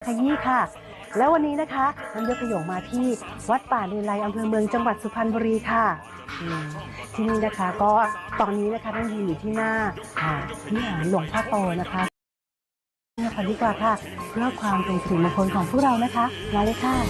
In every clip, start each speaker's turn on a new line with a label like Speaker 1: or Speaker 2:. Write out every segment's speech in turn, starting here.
Speaker 1: ขยี้ค่ะแล้ววันนี้นะคะน้ำยศขยงมาที่วัดป่าเลไลอำเภอเมืองจังหวัดสุพรรณบุรีค่ะที่นี่นะคะก็ตอนนี้นะคะต้องยืนอยู่ที่หน้าวิหารหลวงพ่อโตนะคะดีกว่าค่ะเพื่อความเป็นสิริมงคลของพวกเรานะคะมาเลยค่ะ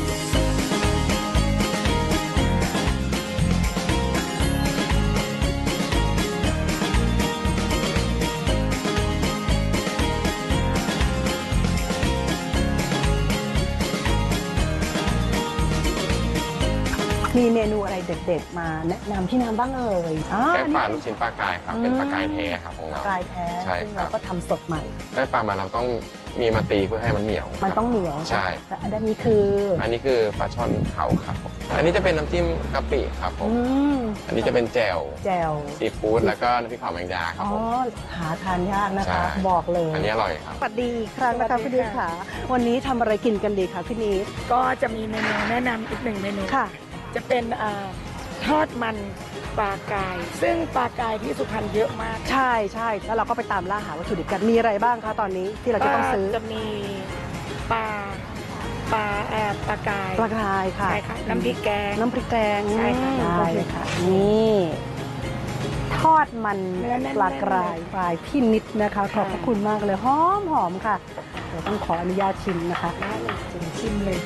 Speaker 1: มีเมนูอะไรเด็ดๆมาแนะนำพี่น้ำบ้างเอ่ย
Speaker 2: แกงป่าลูกชิ้นปลากายครับเป็นปลากายแท้ครับของเรา
Speaker 1: ปลากายแท้ใช่ครับเราก็ทำสดใหม่
Speaker 2: ได้ปลามาเราต้องมีมาตีเพื่อให้มันเหนียว
Speaker 1: มันต้องเหนียว
Speaker 2: ใช่
Speaker 1: อันนี้คือ
Speaker 2: ปลาช่อนเผาครับอันนี้จะเป็นน้ำจิ้มกะปิครับผมอันนี้จะเป็นแจ่วซีฟู้ดแล้วก็น้ำพริกเผาแมงดาครับผม
Speaker 1: หาทานยากนะคะบอกเลย
Speaker 2: อันนี้อร่อยครับ
Speaker 1: สวัสดีอีกครั้งนะคะพี่นิดค่ะวันนี้ทำอะไรกินกันดีคะพี่นิด
Speaker 3: ก็จะมีเมนูแนะนำอีกหนึ่งเมนู
Speaker 1: ค่ะ
Speaker 3: จะเป็นทอดมันปลากายซึ่งปลากายที่สุพรรณเยอะมาก
Speaker 1: ใช่แล้วเราก็ไปตามล่าหาวัตถุดิบกันมีอะไรบ้างคะตอนนี้ที่เราจะต้องซื้อ
Speaker 3: จะมีปลากาย
Speaker 1: ค่ะ
Speaker 3: น้ำพริกแกง
Speaker 1: ใช่ค่ะได้ค่ะนี่ทอดมันปลากรายพี่นิดนะคะขอบพระคุณมากเลยหอมค่ะเดี๋ยวต้องขออนุญาตชิมนะคะ
Speaker 3: ได้เลยชิมเลย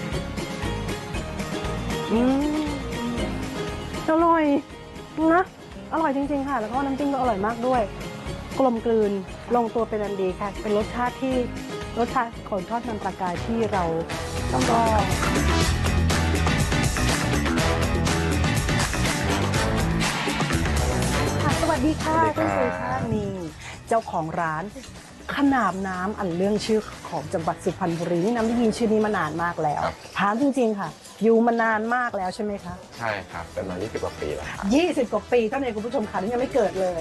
Speaker 1: อร่อยนะอร่อยจริงๆค่ะแล้วก็น้ำจิ้มก็อร่อยมากด้วยกลมกลืนลงตัวเป็นอันดีค่ะเป็นรสชาติของทอดมันปลากายที่เราต้องก็สวัสดีค่ะคุณสุชาตินี่เจ้าของร้านขนาบน้ำอันเรื่องชื่อของจังหวัดสุพรรณบุรีนี่น้ำได้ยินชื่อนี้มานานมากแล้วถามจริงๆค่ะอยู่มานานมากแล้วใช่ไหมคะ
Speaker 2: ใช่ครับเป็นมา20 กว่าปีแล้วครับ
Speaker 1: 20 กว่าปีเท่านั้นคุณผู้ชมค่ะนี่ยังไม่เกิดเลย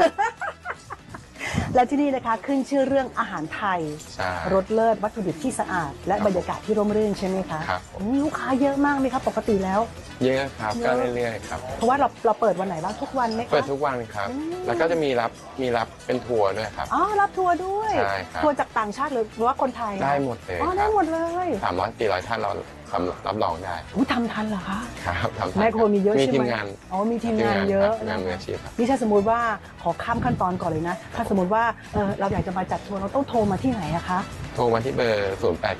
Speaker 1: และที่นี่นะคะขึ้นชื่อเรื่องอาหารไทยรสเลิศวัตถุดิบที่สะอาดและบรรยากาศที่ร่มรื่นใช่ไหมคะ
Speaker 2: ครับ
Speaker 1: ลูกค้าเยอะมากไหมครับปกติแล้ว
Speaker 2: เยอะครับก็เรื่อยๆครับ
Speaker 1: เพราะว่าเราเปิดวันไหนบ้างทุกวันไหมคะ
Speaker 2: เปิดทุกวันครับแล้วก็จะมีรับเป็นทัวร์ด้วยครับ
Speaker 1: รับทัวร์ด้วยทัวร์จากต่างชาติหรือว่าคนไทย
Speaker 2: ได้หมดเลย
Speaker 1: ได้หมดเลย
Speaker 2: 300-400 ท่านเรารับรองได้
Speaker 1: ทำทันเหรอคะ
Speaker 2: ครับทำทัน
Speaker 1: แม่ครัวมีเยอะใช่ไหม
Speaker 2: มีทีมงาน
Speaker 1: มีทีมงานเยอะ
Speaker 2: งานมืออาชีพครับ
Speaker 1: นี่ถ้าสมมติว่าขอข้ามขั้นตอนก่อนเลยนะถ้าสมมติว่าเราอยากจะมาจัดทัวร์เราต้องโทรมาที่ไหนอะคะ
Speaker 2: โทรมาที่เบอร์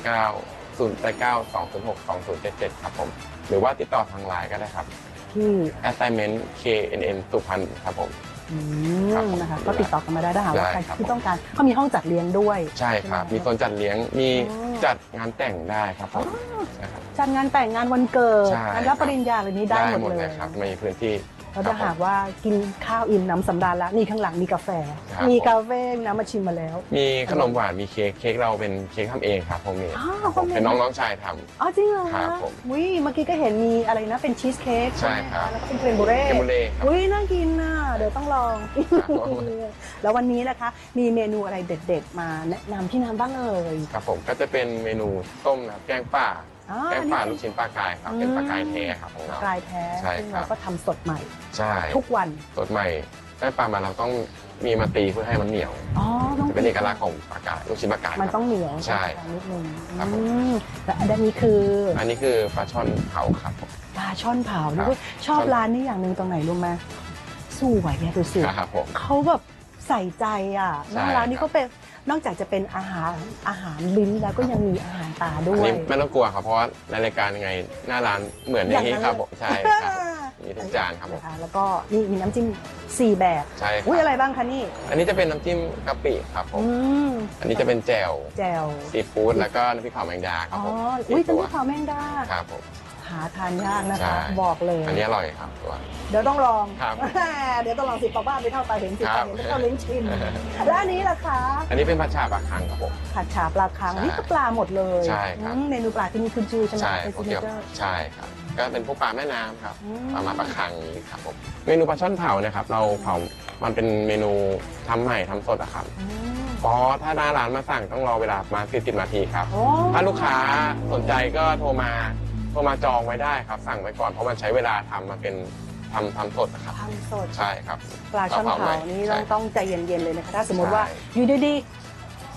Speaker 2: 089-206-2077ครับผมหรือว่าติดต่อทางไลน์ก็ได้ครับ
Speaker 1: ที่
Speaker 2: assignment KNN สุพรรณครับผม
Speaker 1: นะคะก็ติดต่อกันมาได้ถ้าหากว่าใครที่ต้องการเขามีห้องจัดเลี้ยงด้วย
Speaker 2: ใช่ครับมีโซนจัดเลี้ยงมีจัดงานแต่งได้ครับผม
Speaker 1: จัดงานแต่งงานวันเกิดงานรับปริญญาอะไรนี้ได้หมดเลย
Speaker 2: ครับมีพื้นที่
Speaker 1: เราจะหากว่ากินข้าวอิ่มน้ำสำราญแล้วนี่ข้างหลังมีกาแฟน้ำมาชิมมาแล้ว
Speaker 2: มีขนมหวานมีเค้กเราเป็นเค้กทำเองครับผมเป็นน้องชายทำ
Speaker 1: จริงเหรอ
Speaker 2: ครับผม
Speaker 1: เมื่อกี้ก็เห็นมีอะไรนะเป็นชีสเค้ก
Speaker 2: ใช่ครับ
Speaker 1: แล้วก็เป็นเครมบูเร่น่ากินน่ะเดี๋ยวต้องลองแล้ววันนี้นะคะมีเมนูอะไรเด็ดๆมาแนะนำพี่น้ำบ้างเอ่ย
Speaker 2: ครับผมก็จะเป็นเมนูต้มแกงป่าลูกชิ้นปลากายครับเป็นปลากายแท้ครับของเรา
Speaker 1: ปลากายแท้ซึ่งเราก็ทำสดใหม่ทุกวัน
Speaker 2: สดใหม่ได้ปลามาเราต้องมีมาตีเพื่อให้มันเหนียวเป็นเอกลักษณ์ของปลากายลูกชิ้นปลากาย
Speaker 1: มันต้องเหนียว
Speaker 2: ใช่
Speaker 1: นิดนึงและอันนี้คือ
Speaker 2: ปลาช่อนเผาครับ
Speaker 1: ปลาช่อนเผาด้วยชอบร้านนี้อย่างหนึ่งตรงไหนรู้ไหมสวยไงดูสิเขาแบบใส่ใจอ่ะร้านนี้ก็เป็นนอกจากจะเป็นอาหารลิ้นแล้วก็ยังมีอาหารตาด้วย
Speaker 2: ไม่ต้องกลัวครับเพราะว่าในรายการยังไงหน้าร้านเหมือนอย่างนี้ครับผมใช่ครับมีทุกจานครับผม
Speaker 1: แล้วก็นี่มีน้ำจิ้ม4 แบบ
Speaker 2: ใช่
Speaker 1: ครับอะไรบ้างคะนี่
Speaker 2: อันนี้จะเป็นน้ำจิ้มกะปิครับผมอันนี้จะเป็นแจ่วซีฟู้ดแล้วก็น้ำพริกเผาแมงดาครับผม
Speaker 1: น้ำพริกเผาแมงดา
Speaker 2: ครับผม
Speaker 1: หาทานยากนะคะบอกเลย
Speaker 2: อันนี้อร่อยครับตัว
Speaker 1: เดี๋ยวต้องลองเดี๋ยวต้องลอง10 ปบ้านไปเท่าตาเห็น10 ปเห็นเท่าลิ้นชิมแล้วอันนี้ล่ะคะ
Speaker 2: อันนี้เป็นผัดฉ่าปลาคังครับผม
Speaker 1: ผัดฉ่าปลาคังนี่ก็ปลาหมดเลย
Speaker 2: ใช่ครับ
Speaker 1: เมนูปลาที่นี่ขึ้นชื่อใช่ไหม
Speaker 2: ใช่ครับก็เป็นพวกปลาแม่น้ำครับปลาคังนี้ครับผมเมนูปลาช่อนเผานะครับเราเผามันเป็นเมนูทำใหม่ทำสดอะครับเพราะถ้าหน้าร้านมาสั่งต้องรอเวลามา40 นาทีครับถ้าลูกค้าสนใจก็โทรมาจองไว้ได้ครับสั่งไว้ก่อนเพราะมันใช้เวลาทำมาเป็นทำสดนะครับ
Speaker 1: ทำสด
Speaker 2: ใช่ครับ
Speaker 1: ปลาช่อนเผานี่ต้องใจเย็นๆเลยนะคะถ้าสมมติว่าอยู่ดีๆ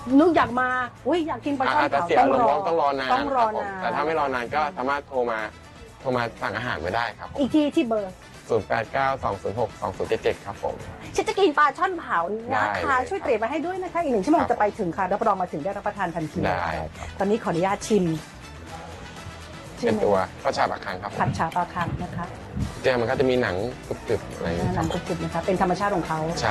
Speaker 1: นึกอยากมาอุ้ยอยากกินปลาช่อน
Speaker 2: อาจจะ
Speaker 1: เผา
Speaker 2: เสีย
Speaker 1: ต้อง
Speaker 2: ล
Speaker 1: รอ
Speaker 2: มต้องรอนาน
Speaker 1: ต้องรอ
Speaker 2: ครับผม
Speaker 1: นาน
Speaker 2: แต่ถ้าไม่รอนานก็สามารถโทรมาสั่งอาหารไว้ได้ครับผม
Speaker 1: อีกทีที่เบอร์
Speaker 2: 0892062077ครับผม
Speaker 1: ฉันจะกินปลาช่อนเผา
Speaker 2: ได้
Speaker 1: นะคะ
Speaker 2: เลย
Speaker 1: ช่วยเตรียมมาให้ด้วยนะคะอีก1 ชั่วโมง
Speaker 2: ครับ
Speaker 1: จะไปถึงค่ะรับรองมาถึงได้รับประทานทันที
Speaker 2: ได้
Speaker 1: ค่ะ
Speaker 2: ครับ
Speaker 1: ตอนนี้ขออนุญาตชิม
Speaker 2: เป็นตัวข้าวฉาบะคังครับผม
Speaker 1: ผัดฉาปลาคังนะคะ
Speaker 2: เจียมันก็จะมีหนังกรึบๆอะไรอย่างเงี้ย
Speaker 1: หนังกรุบๆนะคะเป็นธรรมชาติของเขา
Speaker 2: ใช่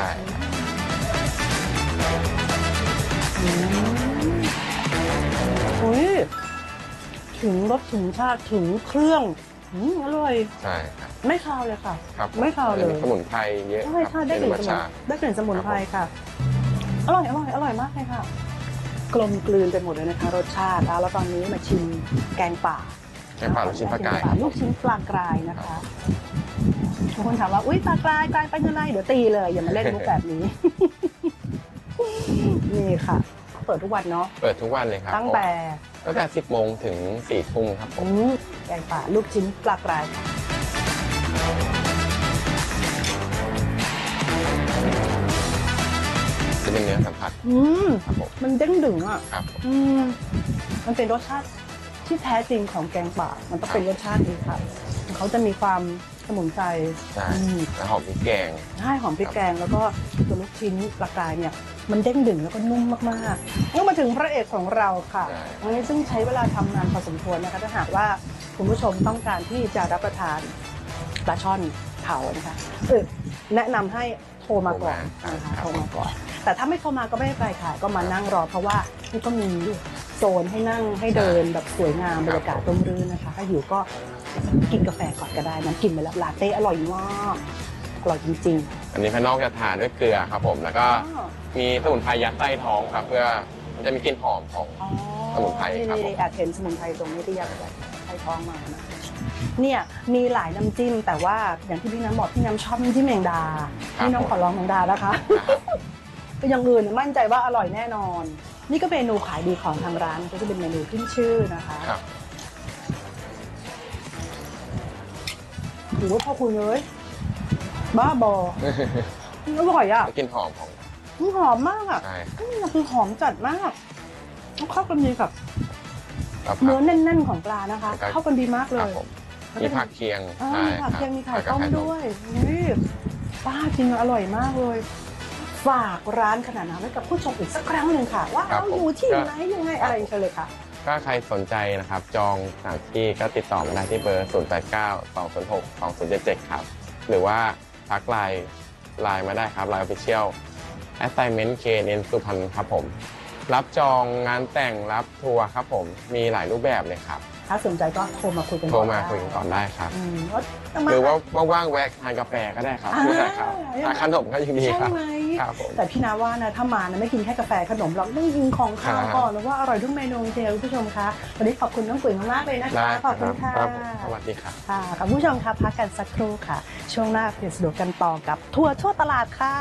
Speaker 1: อืมอุ้ยถึงรสถึงชาติถึงเครื่องอร่อย
Speaker 2: ใช่ครับ
Speaker 1: ไม่คาวเลยค่ะ
Speaker 2: ครับ
Speaker 1: ไม่คาวเลย
Speaker 2: สมุนไพรเยอะ
Speaker 1: ใช่ใช่ได้กลิ่นสมุน
Speaker 2: ชา
Speaker 1: ได้กลิ่นสมุนไพรค่ะ อร่อยมากเลยค่ะ กลมกลืนไปหมดเลยนะคะ รสชาติแล้วตอนนี้มาชิมแกงป่า
Speaker 2: แกงป่าลูกชิ้นปลากาย
Speaker 1: ลูกชิ้นปลากรายนะคะบางคนถามว่าอุ้ยปลากรายเป็นยังไงเดี๋ยวตีเลยอย่ามาเล่นมุกแบบนี้ นี่ค่ะ เปิดทุกวันเนาะ
Speaker 2: เปิดทุกวันเลยครับ
Speaker 1: ตั้งแต่
Speaker 2: 10 โมงถึง 4 ทุ่มครับผม
Speaker 1: แกงป่าลูกชิ้นปลากรายค่ะ
Speaker 2: จะเป็นเนื้อสัมผัส ครับผม
Speaker 1: มันเด้งดึงอ่ะ
Speaker 2: ครับผม
Speaker 1: มันเป็นรสชาติที่แท้จริงของแกงป่ามันต้องเป็นรสชาตินี้ค่ะเขาจะมีความสมุนไพร
Speaker 2: ใช่แล้วหอมพริกแกง
Speaker 1: ใช่หอมพริกแกงแล้วก็ตัวลูกชิ้นปลากรายเนี่ยมันเด้งดึงแล้วก็นุ่มมากๆแล้วมาถึงพระเอกของเราค่ะ
Speaker 2: ใช่
Speaker 1: อันนี้ซึ่งใช้เวลาทำนานพอสมควรนะคะถ้าหากว่าคุณผู้ชมต้องการที่จะรับประทานปลาช่อนเผานะคะแนะนำให้โทรมาก่อนนะคะโทรมาก่อน แต่ถ้าไม่โทรมาก็ไม่เป็นไรค่ะก็มานั่งรอเพราะว่านี่ก็มีโซนให้นั่งให้เดินแบบสวยงามบรรยากาศร่มรื่นนะคะถ้าหิวก็กินกาแฟก่อนก็ได้น้ำกินไปแล้วลาเต้อร่อยมากอร่อยจริง
Speaker 2: อันนี้ภายนอกจะทาด้วยเกลือครับผม แล้วก็
Speaker 1: ๆ
Speaker 2: มีสมุนไพรยัดใต้ท้องครับ เพื่อมันจะมีกลิ่นหอมของ สมุนไพรครับผม
Speaker 1: นี่แอบเห็นสมุนไพรตรงนี้ที่ยัดใส่ท้องมานะเนี่ยมีหลายน้ำจิ้มแต่ว่าอย่างที่พี่น้ำบอกพี่น้ำชอบน้ำจิ้มแมงดาพี่น้ำขอลองแมงดานะคะ อย่างอื่นมั่นใจว่าอร่อยแน่นอน นี่ก็เมนูขายดีของทางร้านก็จะเป็นเมนูขึ้นชื่อนะคะ
Speaker 2: ครับ
Speaker 1: ถือว่าพ่อคุณเลยบ้าบออร่อยอ่ะ
Speaker 2: กลิ่นหอมของ
Speaker 1: มันหอมมากอ่ะ
Speaker 2: ใช่ครับ
Speaker 1: นี่คือหอมจัดมากเข้ากันดีกับ
Speaker 2: แล้วผั
Speaker 1: เนื้
Speaker 2: ก
Speaker 1: อแน่นๆของปลานะคะ เข้ากันดีมากเล
Speaker 2: ครับ
Speaker 1: ย
Speaker 2: ผมมีผักเคียง
Speaker 1: มีผักเคียงมีไข่ต้มด้วยนี่ป้าจริงอร่อยมากเลย ฝากร้านขนาดนั้นไว้กับผู้ชมอีกสักครั้งหนึ่งค่ะ ว่าเราอยู่ที่ไหนยังไงอะไรเชิญเลยค่ะ
Speaker 2: ถ้าใครสนใจนะครับ จองสถานที่ก็ติดต่อมาได้ที่เบอร์ 0892062077 ครับ หรือว่าทักไลน์มาได้ครับไลน์ Official Assignment KNN สุพรรณครับผม รับจองงานแต่งรับทัวร์ครับผม มีหลายรูปแบบเลยครับ
Speaker 1: ถ้าสนใจก็โทรมาคุยกัน
Speaker 2: โทรมาคุยกันก่อนได้ครับ
Speaker 1: ว่าจะมา
Speaker 2: หรือว่าว่างๆแวะทานกาแฟก็ได้ครับไม่ได้ครับทานขนมก็ยังดีค
Speaker 1: ใช่
Speaker 2: รับ
Speaker 1: ไหม
Speaker 2: ครับผม
Speaker 1: แต่พี่นาว่านะถ้ามานะไม่กินแค่กาแฟขนมหรอกต้องกินของคาวก่อนแล้วว่าอร่อยทุกเมนูจริงๆคุณผู้ชมคะวันนี้ขอบคุณน้องกุ๋ยมากๆเลยนะคะ
Speaker 2: ได้ค
Speaker 1: ข
Speaker 2: รั
Speaker 1: อ
Speaker 2: บบ
Speaker 1: คุณค่ะ
Speaker 2: ครับผมสวัสดีครับ
Speaker 1: ค่ะคุณผู้ชมคะพักกันสักครู่ค่ะ ช่วงหน้าเปลี่ยนสะดวกกันต่อกับทัวร์ทั่วตลาดค่ะ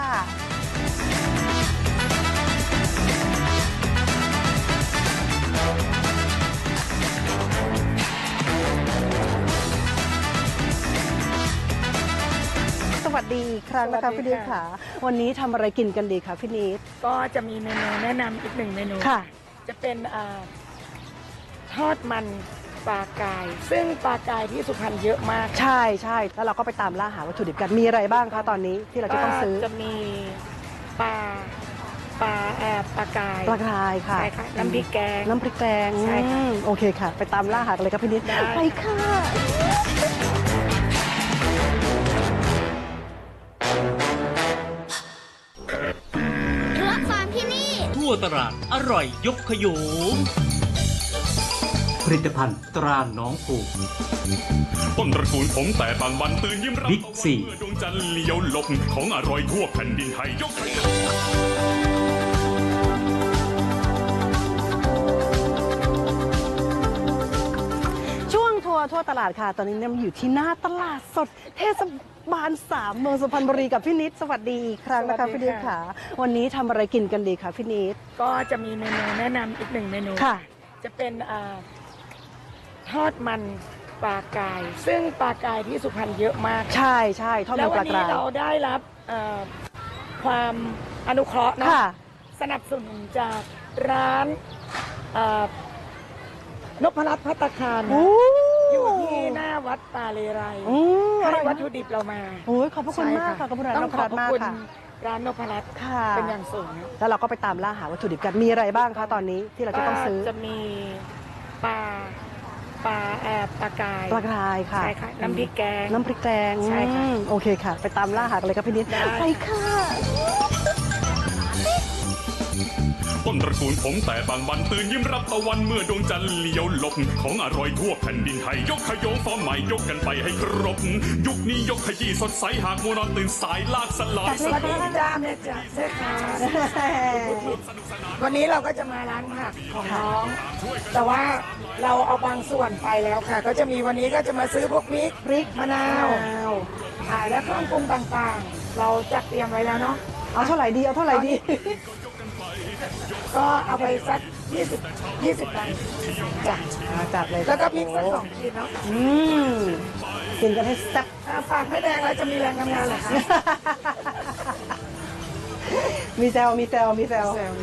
Speaker 1: สวัสดีอีกครั้งนะคะพี่นิดค่ะ วันนี้ทำอะไรกินกันดีคะพี่นิด
Speaker 3: ก็จะมีเมนูแนะนำอีก1 เมนู
Speaker 1: ค่ะ
Speaker 3: จะเป็นทอดมันปลากาย ซึ่งปลากายที่สุพรรณเยอะมาก
Speaker 1: ใช่ใช่แล้วเราก็ไปตามล่าหาวัตถุดิบกันมีอะไรบ้างคะตอนนี้ที่เราจะต้องซื้อ
Speaker 3: จะมีปลากาย
Speaker 1: ปลากรายค่ะ
Speaker 3: ใช่ค่ะน้ำพริกแกง
Speaker 1: น้ำพริกแกง
Speaker 3: ใช่ค่ะ
Speaker 1: โอเคค่ะ ไปตามล่าหากันเลยครับพี่นิด
Speaker 3: ได้
Speaker 1: ไปค่ะ
Speaker 4: รับฟาร์มที่นี่
Speaker 5: ทั่วตลาดอร่อยยกขยงผลิตภัณฑ์ตราหน้องผู
Speaker 6: ต้นตระกูลผมแต่บางวันตื่นยิ้มรับ
Speaker 5: บิ๊กซี
Speaker 6: เมื่อดวงจันทร์เลี้ยวหลบของอร่อยทั่วแผ่นดินไทยยกให้
Speaker 1: ช่วงทัวร์ทั่วตลาดค่ะ ตอนนี้เนี่ยอยู่ที่หน้าตลาดสดเทศบาล3เมืองสุพรรณบุรีกับพี่นิดสวัสดีอีกครั้งนะคะพี่นิดค่ะ วันนี้ทำอะไรกินกันดีคะพี่นิด
Speaker 3: ก็จะมีเมนูแนะนำอีก1 เมนู
Speaker 1: ค่ะ
Speaker 3: จะเป็นทอดมันปลากาย ซึ่งปลากายที่สุพรรณเยอะมาก
Speaker 1: ใช่ใช่ทอด
Speaker 3: แล้
Speaker 1: มั
Speaker 3: วน
Speaker 1: ป
Speaker 3: วั
Speaker 1: ลาน ก
Speaker 3: นี้
Speaker 1: ราย
Speaker 3: เราได้รับความอนุเคราะห์เนาะ
Speaker 1: ค่ะ
Speaker 3: สนับสนุนจากร้านนพรัตน์ภัตตาคารนะ
Speaker 1: โอ้
Speaker 3: อยู่ที่หน้าวัดป่าเลไร
Speaker 1: อร่
Speaker 3: ให้
Speaker 1: อย
Speaker 3: วั
Speaker 1: มา
Speaker 3: ต
Speaker 1: ก
Speaker 3: ถุดิบเรามา
Speaker 1: โอ้ยขอบพระคุณมากค่ะขอบคุณร้าน
Speaker 3: ต้
Speaker 1: น
Speaker 3: อง
Speaker 1: พ
Speaker 3: ขอ
Speaker 1: รั
Speaker 3: บ
Speaker 1: ตน์
Speaker 3: พระ
Speaker 1: มาก
Speaker 3: คุณ
Speaker 1: ค่ะ
Speaker 3: ร้านนพรัตน์
Speaker 1: ค่ะ
Speaker 3: เป็นอย่างสูง
Speaker 1: แล้วเราก็ไปตามล่าหาวัตถุดิบกันมีอะไรบ้างคะตอนนี้ที่เราจะต้องซื้อ
Speaker 3: ก็จะมีปลากาย
Speaker 1: ปลากรายค่ะ
Speaker 3: ใช่ค่ะน้ำพริกแกง
Speaker 1: น้ำพริกแกง
Speaker 3: ใช่ค่ะ
Speaker 1: โอเคค่ะ ไปตามล่าหากันเลยครับพี่นิด
Speaker 3: ได้
Speaker 1: ไปค่ะ
Speaker 6: ต้นตระกูลผมแต่บางวันตื่นยิ้มรับตะวันเมื่อดวงจันทร์เลี้ยวหลบของอร่อยทั่วแผ่นดินไทยยกขยงฟอร์มใหม่ยกกันไปให้ครบ ยุคนี้ยกขยี้สดใสหากมัวนอนตื่นสายลากสลาย
Speaker 3: สวัสดีจ้าแม่จ๋าเสื้อขาววันนี้เราก็จะมาร้านผักของน้อง แต่ว่าเราเอาบางส่วนไปแล้วค่ะ ก็จะมีวันนี้ก็จะมาซื้อพวกพริกมะนาวและเครื่องปรุงต่างๆ เราจัดเตรียมไว้แล้วเนาะ
Speaker 1: เอาเท่าไหร่ดีเอาเท่าไหร่ดี
Speaker 3: ก็เอาไปสัก20ตันจ้ะ
Speaker 1: จัดเลย
Speaker 3: แล้วก็พริกสัก2 ขีดเนาะ
Speaker 1: กินกันให้แซ่บ
Speaker 3: ฝากไม่แดงแล้วจะมีแรงทำงานเหรอคะ
Speaker 1: มีแซวมีแซวมีแซว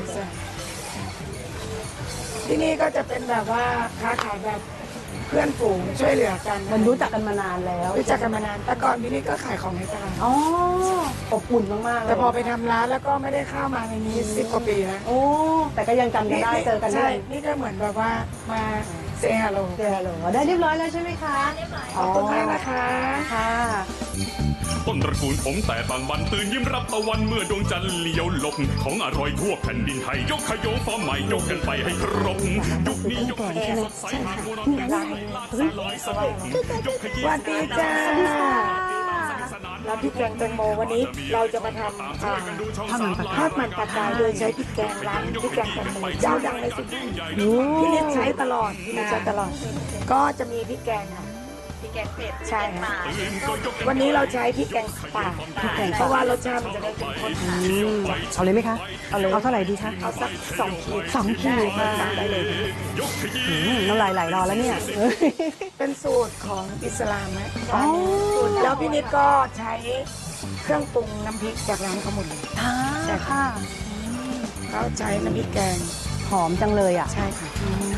Speaker 3: ที่นี่ก็จะเป็นแบบว่าค้าขายแบบเพื่อนฝูงช่วยเหลือกัน
Speaker 1: มันรู้จักกันมานานแล้ว
Speaker 3: รู้จักกันมานานแต่ก่อนที่นี่ก็ขายของในตลาด
Speaker 1: อ๋ออบอุ่นมากๆเลย
Speaker 3: แต่พอไปทำร้านแล้วก็ไม่ได้เข้ามาในนี้10 กว่าปีแล้ว
Speaker 1: โอ้แต่ก็ยังจำกันได้เจอกัน
Speaker 3: ใช่
Speaker 1: ได้
Speaker 3: นี่ก็เหมือนแบบว่ามาเซฮัลโหล
Speaker 1: เจอเหรอได้เรียบร้อยแล้วใช่ไหมคะเรียบร้อย
Speaker 3: ขอบคุณมากนะคะ
Speaker 1: ค่ะ
Speaker 6: ต้นตระกูลผมแต่บางวันตื่นยิ้มรับตะวันเมื่อดวงจันทร์เลี้ยวหลบของอร่อยทั่วแผ่นดินไทยยกขยงฟอร์มใหม่ยกกันไปให้ครบ ยุคนี้ยกขยี้สดใสหากมัวนอนตื่นสายลากสลายสลบยกขยี้
Speaker 3: สวัสดีจ้า
Speaker 1: สวัสดีค่ะ
Speaker 3: แล้วพริกแกงแตงโมวันนี้เราจะมาทำทอดมันปลากายโดยใช้พริกแกงร้านพริกแกงแตงโมเจ้าดังในสุดที่นิดใช้ตลอดที่นิดใช้ตลอด ก็จะมีพริกแกงค่ะพริกแกงเป็ดใช่ค่ะวันนี้เราใช้พริกแกงป่าเพราะว่ารสชาติมันจะได้เข้มข้น
Speaker 1: เอาเลยไหมคะเอาเลยเอาเท่าไหร่ดีคะ
Speaker 3: เอาสัก2 ขีด
Speaker 1: 2 ขีดค่ะ
Speaker 3: ได้เลย
Speaker 1: น้ำลายไหลรอแล้วเนี่ย
Speaker 3: เป็นสูตรของอิสลามนะ
Speaker 1: อ๋อ
Speaker 3: แล้วพี่นิดก็ใช้เครื่องปรุงน้ำพริกจากร้านเขาหมดเลย
Speaker 1: ค่ะ
Speaker 3: เขาใช้น้ำพริกแกง
Speaker 1: หอมจังเลยอ่ะ
Speaker 3: ใช่ค่ะ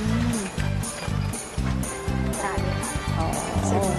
Speaker 1: อ๋อ
Speaker 3: เสร็จ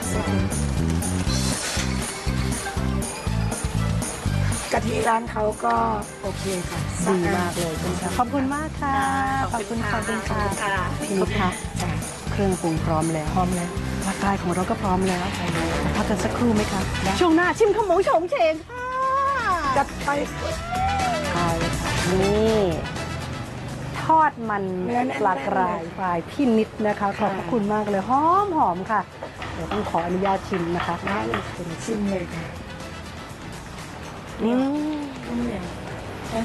Speaker 3: กะทิร้านเขาก็โอเคค่ะ
Speaker 1: ดีมากเลยคุณค่ะขอบคุณมากค่ะ ขอบคุณค่ะพี่นิดค่ะเครื่องปรุงพร้อมแล้วพร้อมแล้วร่างกายของเราก็พร้อมแล้วพักกันสักครู่ไหมคะช่วงหน้าชิมขมงโฉงเฉงค่ะ
Speaker 3: จัดไป
Speaker 1: ใช่ค่ะนี่ทอดมัน
Speaker 3: เนื้อแน่นๆ
Speaker 1: ปลากรายปลายพี่นิดนะคะขอบพระคุณมากเลยหอมหอมค่ะเดี๋ยวต้องขออนุญาตชิมนะคะ
Speaker 3: ได้เลยคุณชิมเลยค่ะ
Speaker 1: อืม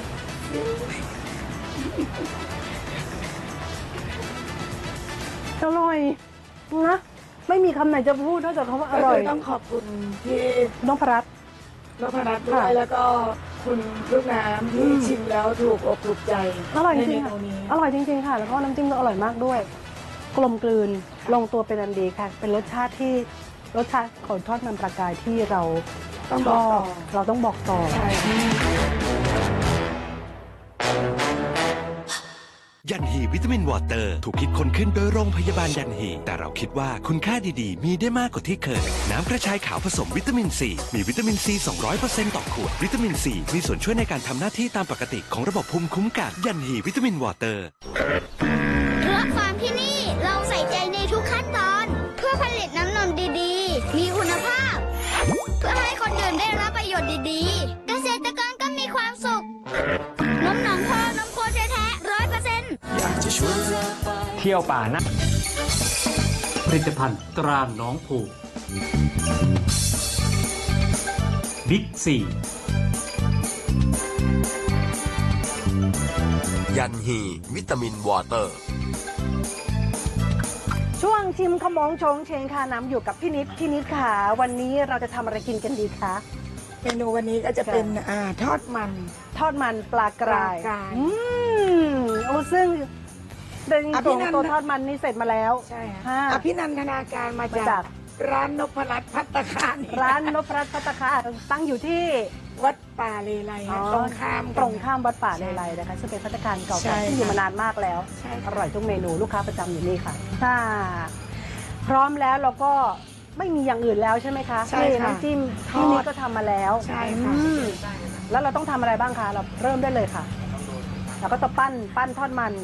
Speaker 1: อร่อยนะไม่มีคำไหนจะพูดนอกจากคำว่าอร่อย
Speaker 3: ก็คือต้องขอบคุณที่
Speaker 1: น้องพรัตน์
Speaker 3: นพรัตน์ด้วยแล้วก็คุณลูกน้ำที่ชิมแล้วถูกอกถูกใจ
Speaker 1: อร่อยจ
Speaker 3: ใน
Speaker 1: ริง
Speaker 3: เม
Speaker 1: ๆค่ะ
Speaker 3: นูนี้
Speaker 1: อร่อยจริงๆค่ะ แล้วก็น้ำจิ้มก็อร่อยมากด้วย กลมกลืนลงตัวเป็นอันดีค่ะ เป็นรสชาติของทอดมันปลากายที่เรา
Speaker 3: ต้อง
Speaker 1: ช
Speaker 3: บอก
Speaker 1: อ
Speaker 3: ต่
Speaker 1: บ
Speaker 3: อ
Speaker 1: เราต้องบอกต่อ
Speaker 3: ใช่
Speaker 7: ยันฮีวิตามินวอเตอร์ถูกคิดค้นขึ้นโดยโรงพยาบาลยันฮีแต่เราคิดว่าคุณค่าดีๆ มีได้มากกว่าที่เคย น้ำกระชายขาวผสมวิตามินซีมีวิตามินซี 200% ต่อขวด วิตามินซีมีส่วนช่วยในการทำหน้าที่ตามปกติของระบบภูมิคุ้มกันยันฮีวิตามินวอเตอร์
Speaker 4: เครือฟาร์มที่นี่เราใส่ใจในทุกขั้นตอน เพื่อผลิตน้ำนมดีๆ มีคุณภาพ เพื่อให้คนอื่นได้รับประโยชน์ดีๆ เกษตรกรก็มีความสุขนมหนองพ่อนมโคแท้ๆ100%
Speaker 8: เที่ยวป่านะ
Speaker 5: ผลิตภัณฑ์ตราหน้องผูบิ๊กซี
Speaker 9: ยันฮีวิตามินวอเตอร์
Speaker 1: ช่วงชิมขมงโฉงเฉงค่ะน้ำอยู่กับพี่นิดค่ะ วันนี้เราจะทำอะไรกินกันดีคะ
Speaker 3: เมนูวันนี้ก็จะเป็นทอดมัน
Speaker 1: ทอดมันปลากราย
Speaker 3: ปลากราย
Speaker 1: โอ้ซึ่งเป็น
Speaker 3: อภิ
Speaker 1: ตัว
Speaker 3: นันท์
Speaker 1: ตัวทอดมันนี่เสร็จมาแล้ว
Speaker 3: ใช่
Speaker 1: ค่ะ
Speaker 3: อภินันทนาการมา
Speaker 1: มาจา
Speaker 3: จาก กร้านนพรัตน์ภัตตาคาร
Speaker 1: ร้านนพรัตน์ภัตตาคารตั้งอยู่ที่
Speaker 3: วัดป่าเลไล
Speaker 1: อ๋อ
Speaker 3: ตรงข้าม
Speaker 1: ตรงข้ามวัดป่าเลไลนะคะซึ่งเป็นภัตตาคารเก่า
Speaker 3: ใช่
Speaker 1: แก่ที่อยู่มานานมากแล้ว
Speaker 3: ใช่
Speaker 1: อ
Speaker 3: ค่ะ
Speaker 1: ร่อยทุกเมนูลูกค้าประจำอยู่นี่ค่ะถ้าพร้อมแล้วเราก็ไม่มีอย่างอื่นแล้วใช่ไหมคะ
Speaker 3: ใช่
Speaker 1: นี่
Speaker 3: ค่ะ
Speaker 1: น้ำจิ้ม
Speaker 3: ทอด
Speaker 1: ที่นี่ก็ทำมาแล้ว
Speaker 3: ใช่ค่ะ
Speaker 1: อืมแล้วเราต้องทำอะไรบ้างคะเราเริ่มได้เลยค่ะเราก็จะปั้นทอดมัน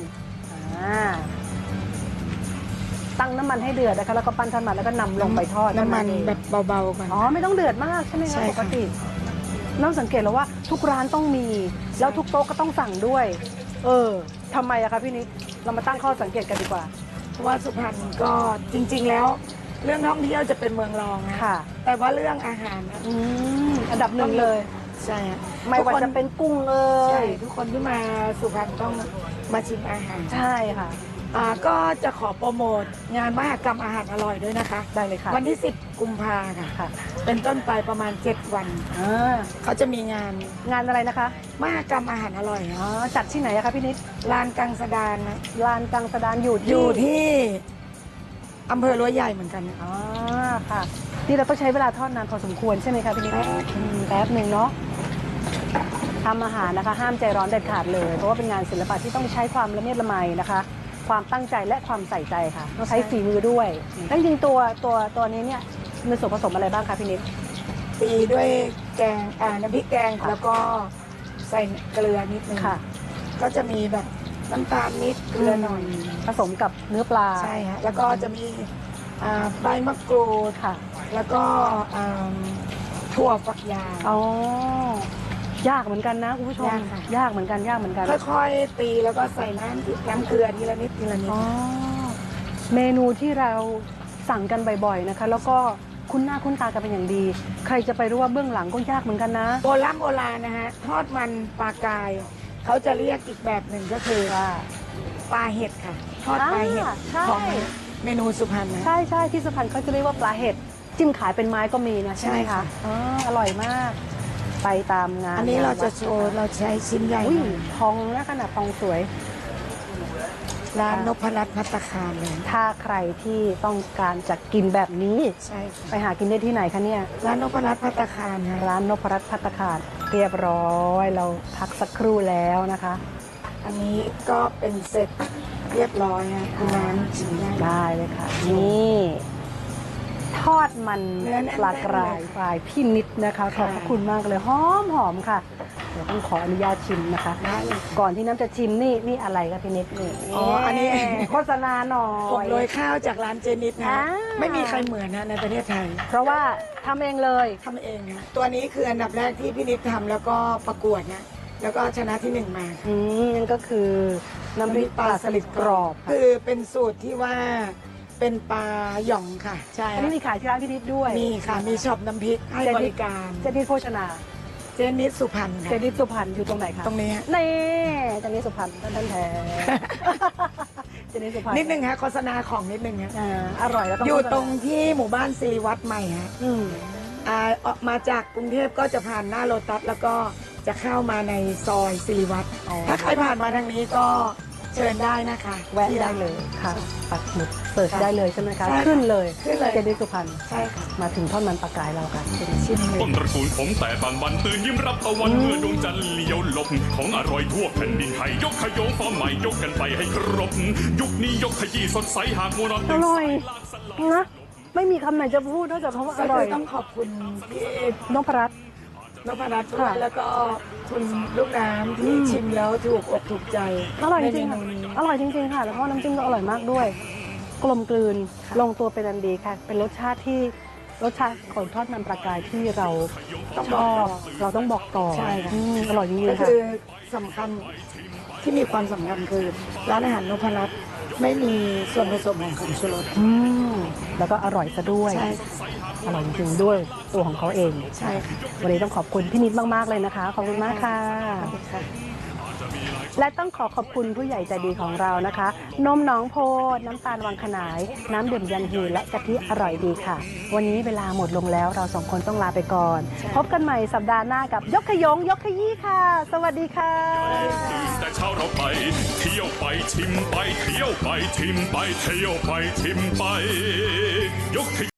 Speaker 1: ตั้งน้ำมันให้เดือดนะคะแล้วก็ปั้นทอดมันแล้วก็นำลงไปทอด
Speaker 3: น้ำมัน
Speaker 1: เท่าเอง
Speaker 3: แบบเบาๆก่อน
Speaker 1: อ๋อไม่ต้องเดือดมากใช่ไหม
Speaker 3: ใช่
Speaker 1: คะ
Speaker 3: ค่ะ
Speaker 1: ปกติน้องสังเกตแล้วว่าทุกร้านต้องมี แล้วทุกโต๊ะก็ต้องสั่งด้วย ทำไมอะคะพี่นิดเรามาตั้งข้อสังเกตกันดีกว่า
Speaker 3: เพราะว่าสุพรรณก็จริง ๆ แล้ว เรื่องท่องเที่ยวจะเป็นเมืองรองนะ
Speaker 1: ค่ะ
Speaker 3: แต่ว่าเรื่องอาหารนะ
Speaker 1: อันดับหนึ่งเลย
Speaker 3: ใช่ฮะ
Speaker 1: ไม่ว่าจะเป็นกุ้ง
Speaker 3: ใช่
Speaker 1: ย
Speaker 3: ทุกคนที่มาสุพรรณต้องมาชิมอาหาร
Speaker 1: ใช่ค่ะ
Speaker 3: ก็จะขอโปรโมทงานมหกรรมอาหารอร่อยด้วยนะคะ
Speaker 1: ได้เลยค่ะ
Speaker 3: วันที่ 10 กุมภาค่ะ
Speaker 1: ค่ะ
Speaker 3: เป็นต้นไปประมาณ 7 วัน
Speaker 1: อ่า
Speaker 3: เขาจะมีงาน
Speaker 1: งานอะไรนะคะ
Speaker 3: มหกรรมอาหารอร่อย
Speaker 1: อ๋อจัดที่ไหนอะคะพี่นิด
Speaker 3: ลานกังสดานนะ
Speaker 1: ลานกังสดานอยู่
Speaker 3: อยู่ที่อำเภอรั้วใหญ่เหมือนกันนะ
Speaker 1: อ๋อค่ะนี่เราต้องใช้เวลาทอดนานพอสมควรใช่ไหมคะพี่นิดแป๊บหนึ่งเนาะทำอาหารนะคะ ห้ามใจร้อนเด็ดขาดเลย เพราะว่าเป็นงานศิลปะที่ต้องใช้ความละเมียดละไมนะคะ ความตั้งใจและความใส่ใจค่ะต้องใช้ฝีมือด้วยแล้วจริงๆตัวนี้เนี่ยมีส่วนผสมอะไรบ้างคะพี่นิด
Speaker 3: ตีด้วยแกงน้ำพริกแกงแล้วก็ใส่เกลือนิดนึง
Speaker 1: ค่ะ
Speaker 3: ก็จะมีแบบน้ำตาลนิดเกลือหน่อย
Speaker 1: ผสมกับเนื้อปลา
Speaker 3: ใช่ฮะแล้วก็จะมีใบมะกรูด
Speaker 1: ค่ะ
Speaker 3: แล้วก็ถั่วฝักยาว
Speaker 1: อ๋อยากเหมือนกันนะคุณผู้ชม
Speaker 3: ยากค่ะ
Speaker 1: ยากเหมือนกันยากเหมือนกัน
Speaker 3: ค่อยๆตีแล้วก็ใส่น้ำเกลือทีละนิดทีละนิด
Speaker 1: อ๋อเมนูที่เราสั่งกันบ่อยๆนะคะ แล้วก็คุ้นหน้าคุ้นตากันเป็นอย่างดี ใครจะไปรู้ว่าเบื้องหลังก็ยากเหมือนกันนะ
Speaker 3: โบราณนะฮะทอดมันปลากาย เขาจะเรียกอีกแบบหนึ่งก็คือว่าปลาเห็ดค่ะ ทอดปลาเห็ด
Speaker 1: ใช่
Speaker 3: ของเมนูสุพรรณนะ
Speaker 1: ใช่ใช่ที่สุพรรณเขาจะเรียกว่าปลาเห็ดจิ้มขายเป็นไม้ก็มีนะใช่ไหม
Speaker 3: ใช่
Speaker 1: คะ
Speaker 3: ค่ะ
Speaker 1: อ๋ออร่อยมาก ไปตามงาน
Speaker 3: อันนี้เราจะโชว์เราใช้ชิ้นใหญ่
Speaker 1: อุ้ย
Speaker 3: หน่อย
Speaker 1: ทองนะขนาดทองสวย
Speaker 3: ร้านนพรัตน์ภัตตาคารเลย
Speaker 1: ถ้าใครที่ต้องการจะกินแบบนี้
Speaker 3: ใช่ค่ะ
Speaker 1: ไปหากินได้ที่ไหนคะเนี่ย
Speaker 3: ร้านนพรัตน์ภัตตาคารค่ะ
Speaker 1: ร้านนพรัตน์ภัตตาคารเรียบร้อยเราพักสักครู่แล้วนะคะ
Speaker 3: อันนี้ก็เป็นเสร็จเรียบร้อยฮะคุณร้านชิมได้
Speaker 1: ได้เลยค่ะ นี่ทอดมัน
Speaker 3: เนื้อแน่นๆ
Speaker 1: ปลากรายปลายพี่นิดนะคะข
Speaker 3: ค่ะ
Speaker 1: อบพระคุณมากเลยหอมค่ะเดี๋ยวต้องขออนุญาตชิมนะคะ
Speaker 3: ได้เลย
Speaker 1: ก่อนที่น้ำจะชิมนี่อะไรคะพี่นิดนี่
Speaker 3: อ๋ออันนี้
Speaker 1: โฆษณาหน่อ
Speaker 3: ผม
Speaker 1: ย
Speaker 3: โรยข้าวจากร้านเจนิดนะ
Speaker 1: อ่า
Speaker 3: ไม่มีใครเหมือนนะในประเทศไทย
Speaker 1: เพราะว่าทำเองเลย
Speaker 3: ทำเองนะตัวนี้คืออันดับแรกที่พี่นิดทำแล้วก็ประกวดนะแล้วก็ชนะที่หนึ่งมา
Speaker 1: นั่นก็คือน้ำพริกปลาสลิดกรอบค่ะ
Speaker 3: คือเป็นสูตรที่ว่าเป็นปลาหย่องค่ะ ใช่
Speaker 1: อันนี้มีขายที่ร้านพี่นิดด้วย
Speaker 3: มีค่ะมีช็อปน้ำพริกให้บริการ
Speaker 1: เจนิดโภชนา
Speaker 3: เจนิดสุพรรณ
Speaker 1: เจ
Speaker 3: ค่ะ
Speaker 1: นิดสุพรรณอยู่ตรงไหนคะ
Speaker 3: ตรงนี้ฮะ
Speaker 1: นี่เจนิดสุพรรณท่านแท้ เจนิดสุพรรณ
Speaker 3: นิดนึงฮะโฆษณาของนิดนึงฮะ
Speaker 1: อร่อยแล้วต้อง
Speaker 3: อยู่ตรงที่หมู่บ้านสิริวัฒน์ใหม่ฮะ
Speaker 1: อืม
Speaker 3: ออกมาจากกรุงเทพก็จะผ่านหน้าโลตัสแล้วก็จะเข้ามาในซอยสิริวัฒน์
Speaker 1: อ๋อ
Speaker 3: ถ้าใครผ่านมาทางนี้ก็เชิญได้นะคะ
Speaker 1: แวะได้เลยค่ะปักหมุดเสิร์ชได้เลยใช่ไหมคะ
Speaker 3: ใช่ค่ะ
Speaker 1: ขึ้นเลย
Speaker 3: ขึ้นเลย
Speaker 1: เจนิดสุพรรณ
Speaker 3: ใช่ค่ะ
Speaker 1: มาถึงทอดมันปลากรายเราค่ะเป็นชิ้นหนึ่
Speaker 6: ต้
Speaker 1: ง
Speaker 6: นตระกูลผมแต่บางวันตื่นยิ้มรับตะวันเมื่อดวงจันทร์เลี้ยวหลบของอร่อยทั่วแผ่นดินไทยยกขยงฟอร์มใหม่ยกกันไปให้ครบ ยุคนี้ยกขยี้สดใสหากมัวนอน
Speaker 1: อ
Speaker 6: ตื่น
Speaker 1: ร่อ
Speaker 6: สาย ย
Speaker 1: นะไม่มีคำไหนจะพูดนอกจากคำว่าอ
Speaker 3: ก็
Speaker 1: ร่
Speaker 3: คือ
Speaker 1: อย
Speaker 3: ต้องขอบคุณพี่
Speaker 1: นพรัตน์
Speaker 3: นพรัตน์ด้วย
Speaker 1: ค่ะ
Speaker 3: แล้วก็คุณลูกน้ำที่ชิมแล้วถูกอกถูกใจ
Speaker 1: อร่อยจริงๆ
Speaker 3: ใน
Speaker 1: ค่ะ
Speaker 3: เมนูนี้
Speaker 1: อร่อยจริงๆค่ะ แล้วก็น้ำจิ้มก็อร่อยมากด้วย กลมกลืนลงตัวเป็นอันดีค่ะ เป็นรสชาติของทอดมันปลากรายที่เรา
Speaker 3: ต้อง
Speaker 1: ช
Speaker 3: บอก
Speaker 1: อ
Speaker 3: ต่
Speaker 1: บ
Speaker 3: อ
Speaker 1: เราต้องบอกต่อ
Speaker 3: ใช่ค่ะ
Speaker 1: อร่อยจริง
Speaker 3: ก็
Speaker 1: ๆค่ะ
Speaker 3: คือสำคัญที่มีความสำคัญคือร้านอาหารนพรัตน์ไม่มีส่วนผสมของผงชูรส
Speaker 1: แล้วก็อร่อยซะด้วย
Speaker 3: ใช่
Speaker 1: อร่อยจริงๆด้วยตัวของเขาเอง
Speaker 3: ใช่ค่ะ
Speaker 1: วันนี้ต้องขอบคุณพี่นิดมากๆเลยนะคะ ขอบคุณมากค่ะ
Speaker 3: ขอบคุณค่ะ
Speaker 1: และต้องขอขอบคุณผู้ใหญ่ใจดีของเรานะคะ นมหนองโพน้ำตาลวังขนาย น้ำดื่มยันฮีและกะทิอร่อยดีค่ะ วันนี้เวลาหมดลงแล้วเราสองคนต้องลาไปก่อน พบกันใหม่สัปดาห์หน้ากับยกขยงยกขยี้ค่ะ สวัสดีค่ะ
Speaker 6: แต่เช้าเราไป เที่ยวไปชิมไปเที่ยวไปชิมไปเที่ยวไปชิมไปยก